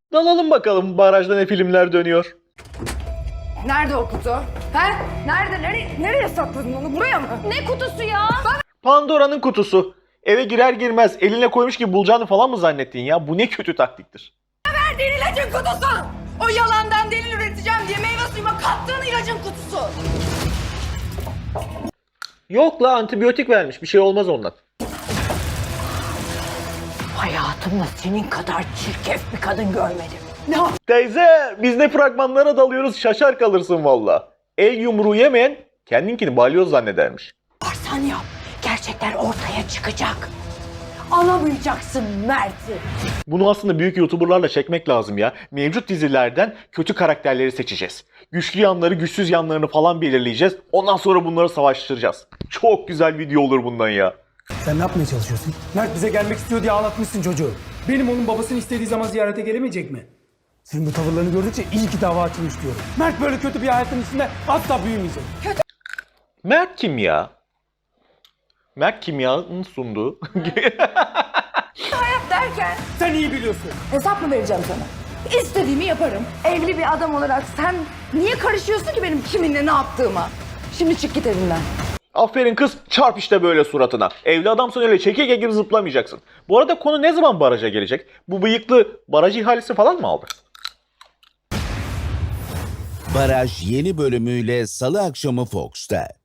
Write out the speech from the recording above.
Dalalım bakalım barajda ne filmler dönüyor. Nerede o kutu? He? Nerede? Nereye sakladın onu? Buraya mı? Ne kutusu ya? Pandora'nın kutusu. Eve girer girmez eline koymuş gibi bulacağını falan mı zannettin ya? Bu ne kötü taktiktir. Verdiğin ilacın kutusu! O yalandan delil üreteceğim diye meyve suyuma kattığın ilacın kutusu! Yok la, antibiyotik vermiş, bir şey olmaz ondan. Hayatımda senin kadar çirkef bir kadın görmedim. Ne? Teyze, biz ne fragmanlara dalıyoruz, şaşar kalırsın valla. El yumruğu yemeyen kendinkini balyoz zannedermiş. Varsan yap. Gerçekler ortaya çıkacak. Alamayacaksın Mert'i. Bunu aslında büyük YouTuber'larla çekmek lazım ya. Mevcut dizilerden kötü karakterleri seçeceğiz. Güçlü yanları, güçsüz yanlarını falan belirleyeceğiz. Ondan sonra bunları savaştıracağız. Çok güzel video olur bundan ya. Sen ne yapmaya çalışıyorsun? Mert bize gelmek istiyor diye ağlatmışsın çocuğu. Benim onun babasını istediği zaman ziyarete gelemeyecek mi? Senin bu tavırlarını gördükçe iyi ki dava açılmış diyorum. Mert böyle kötü bir hayatın içinde asla büyümeyecek. Mert kim ya? Mert Kimya'nın sunduğu. Derken Sen iyi biliyorsun. hesap mı vereceğim sana? İstediğimi yaparım. Evli bir adam olarak sen niye karışıyorsun ki benim kiminle ne yaptığıma? Şimdi çık git evimden. Aferin kız, çarp işte böyle suratına. Evli adamsın, öyle çekirge gibi zıplamayacaksın. Bu arada konu ne zaman baraja gelecek? Bu bıyıklı baraj ihalesi falan mı aldı? Baraj yeni bölümüyle Salı akşamı Fox'ta.